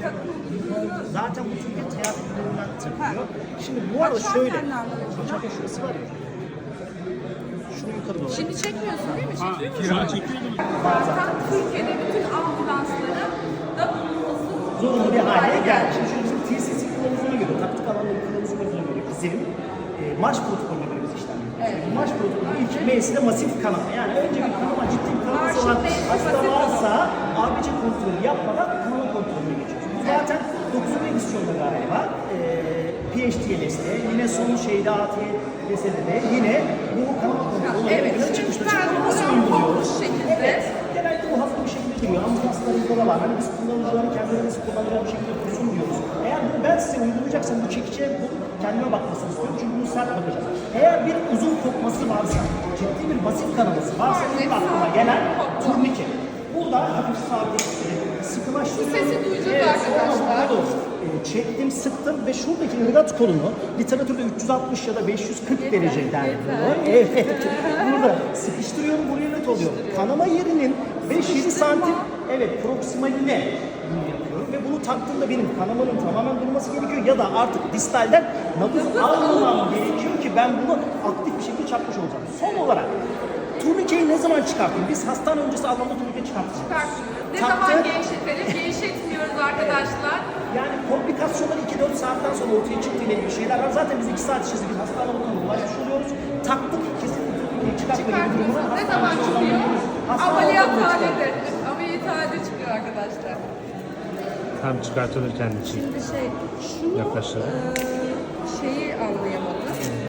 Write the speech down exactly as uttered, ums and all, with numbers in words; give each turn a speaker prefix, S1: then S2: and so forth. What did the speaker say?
S1: Zaten bu Türkiye teyakküllerinden takılıyor. Şimdi bu arada şöyle, bıçakta şurası var ya. Şunu yukarı doğru.
S2: Şimdi çekmiyorsun değil mi? Çekiyor musun?
S3: Şu an çekiyordum.
S2: Zaten Türkiye'de bütün ambulansların da bulunması
S1: Zorunlu bir hale geldi. Şimdi şöyle bizim T C C kılavuzuna göre, taktik alanları kılavuzuna göre bizim e, marş protokolüne göre biz işlem yapıyoruz.
S2: Evet.
S1: Marş protokolü ilk M'si de masif kanama. Yani önce bir kanama, ciddi bir kanaması
S2: Marşın
S1: olan
S2: M'si
S1: hasta
S2: masif
S1: varsa A B C kontrolü yapmadan kanama kontrolünü geçiyoruz. Bu zaten dokuzuncu edisyonda galiba e, P H T L S'de, yine son şeyde A T L S'de de yine bu kanama kontrolü
S2: Evet,
S1: evet,
S2: şimdi
S1: çıkmıştı.
S2: ben
S1: Çıkmıştı. Nasıl
S2: bunu
S1: uyguluyoruz?
S2: bu şekilde-
S1: Evet. Genelde bu hafif bir şekilde duruyor. Ambulanslarımızda da var. Hani biz kullanıcıların kendileri nasıl kullanacağı bir şekilde dursun diyoruz. Eğer bunu ben size uygulayacaksam bu çekiçe bu kendime bakmasını istiyorum. Çünkü bunu sert bakacağım. Eğer bir uzun kopması varsa, ciddi bir basit kanaması varsa ilk aklıma gelen turnike. Burada hafif sabit, sıkılaştırıyorum.
S2: Bu sesi duyacağız arkadaşlar.
S1: sonra doğru. E, çektim, sıktım ve şuradaki ırgat kolunu literatürde üç yüz altmış ya da beş yüz kırk derece derdi. Evet. Burada sıkıştırıyorum, buraya net oluyor. Kanama yerinin beş yedi santim evet proksimaline bunu yapıyorum ve bunu taktığımda benim kanamanın tamamen durması gerekiyor ya da artık distalden nabız almamam gerekiyor ki ben bunu aktif bir şekilde çarpmış olacağım. Son olarak turnikeyi ne zaman çıkartayım? Biz hastane öncesi anlamda turnike çıkartacağız.
S2: çıkartıyoruz. Ne
S1: Taktı.
S2: zaman gevşetelim? Gevşetmiyoruz arkadaşlar.
S1: Yani komplikasyonlar iki dört saatten sonra ortaya çıktı ile ilgili şeyler var. Zaten biz iki saat içerisinde bir hastane ortamına ulaşmış oluyoruz. Taktık kesinlikle turnikeyi çıkartma gibi bir durumuna
S2: Çıkartıyoruz. Ne
S1: hastane
S2: zaman
S1: ortamına
S2: çıkıyor?
S1: gidiyoruz. Hastane ortamına
S2: Ameliyathanede.
S1: çıkartıyoruz.
S2: Ameliyathanede çıkıyor arkadaşlar.
S3: Tam çıkartılırken de çek.
S2: Şimdi şey, şunu
S3: Yaklaşalım.
S2: eee, şeyi anlayamadım.